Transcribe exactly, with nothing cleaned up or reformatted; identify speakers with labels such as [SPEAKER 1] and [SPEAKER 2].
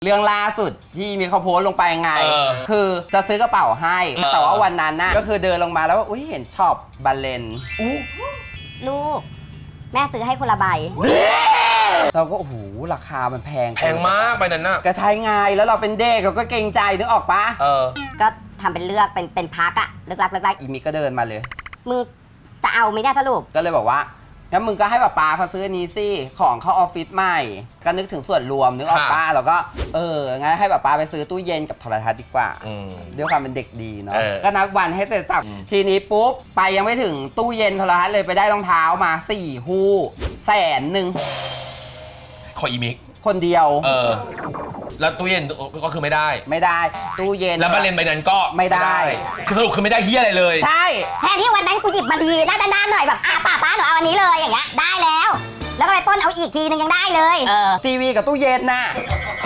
[SPEAKER 1] เรื่องล่าสุดที่มีเขาโพสต์ลงไปไง
[SPEAKER 2] เออ
[SPEAKER 1] คือจะซื้อกระเป๋าให้
[SPEAKER 2] เออ
[SPEAKER 1] แต่ว่าวันนั้นน่ะก็คือเดินลงมาแล้วว่าอุ้ยเห็นช็อปบาเลน
[SPEAKER 3] ลูก แม่ซื้อให้คนละใบ
[SPEAKER 1] เราก็โอ้โหราคามันแพง
[SPEAKER 2] แพงมากไปนั้นน่ะ
[SPEAKER 1] ก็ใช้ไงแล้วเราเป็นเด็กเราก็เกรงใจนึกออกปะ
[SPEAKER 2] เออ
[SPEAKER 3] ก็ทำเป็นเลือกเป็นเป็นพักอะเลือกรักเลือกรัก
[SPEAKER 1] อีมิกก็เดินมาเลย
[SPEAKER 3] มึงจะเอาไหมเนี่ยสรุป
[SPEAKER 1] ก็เลยบอกว่างั้นมึงก็ให้ป้าปาเขาซื้ออันนี้สิของเข้าออฟฟิศใหม่ก็นึกถึงส่วนรวมนึกออกป้าแล้วก็เอองั้นให้ป้าปาไปซื้อตู้เย็นกับโทรทัศน์ดีกว่า
[SPEAKER 2] อืม
[SPEAKER 1] ด้วยความเป็นเด็กดีเนาะ
[SPEAKER 2] เออ
[SPEAKER 1] ก็นับวันให้เสร็จสับทีนี้ปุ๊บไปยังไม่ถึงตู้เย็นโทรทัศน์เลยไปได้รองเท้ามาสี่คู่แสนหนึ่ง
[SPEAKER 2] ขออีมิก
[SPEAKER 1] คนเดียว
[SPEAKER 2] เออ แล้วตู้เย็นก็คือไม่ได้
[SPEAKER 1] ไม่ได้ตู้เย็น
[SPEAKER 2] แล้วบาเลนใบนั้นก็
[SPEAKER 1] ไม่ได้
[SPEAKER 2] คือสรุปคือไม่ได้เฮียอะไรเลย
[SPEAKER 1] ใช่
[SPEAKER 3] แทนที่วันนั้นกูหยิบมาดีด้านด้านๆหน่อยแบบอ่ะป้าป้าหนูเอาอันนี้เลยอย่างเงี้ยได้แล้ว แล้วก็ไปปล้นเอาอีกทีนึงยังได้เลย
[SPEAKER 1] ทีวีกับตู้เย็นน่ะ